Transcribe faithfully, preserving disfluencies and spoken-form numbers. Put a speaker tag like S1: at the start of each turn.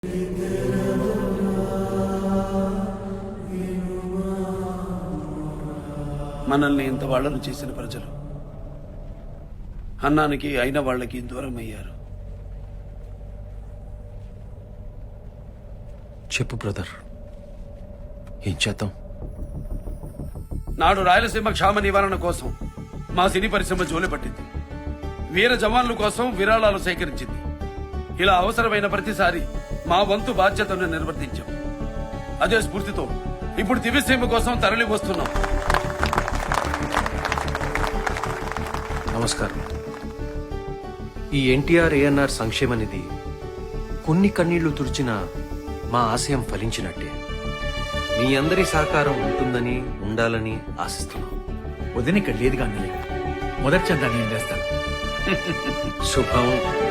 S1: మనల్ని ఇంత వాళ్లను చేసిన ప్రజలు అన్నానికి అయిన వాళ్ళకి దూరం అయ్యారు.
S2: చెప్పు బ్రదర్, ఏం చేద్దాం?
S1: నాడు రాయలసీమ క్షామ నివారణ కోసం మా సినీ పరిశ్రమ జోలి పట్టింది. వీర జవాన్ల కోసం విరాళాలు సేకరించింది. ఇలా అవసరమైన ప్రతిసారి మా వంతు బాధ్యతను నిర్వర్తించాం. అదే స్ఫూర్తితో ఇప్పుడు దివ్యసీమ కోసం తరలి వస్తున్నాం.
S2: నమస్కారం. ఈ ఎన్టీఆర్ ఏఎన్ఆర్ సంక్షేమ నిధి కొన్ని కన్నీళ్లు తుడిచిన మా ఆశయం ఫలించినట్టే. మీ అందరి సహకారం ఉంటుందని ఉండాలని ఆశిస్తున్నాం.
S3: వదిన ఇక్కడ లేదుగా అన్నయ్య, మొదటి చందా నేను వేస్తాను.
S2: శుభం.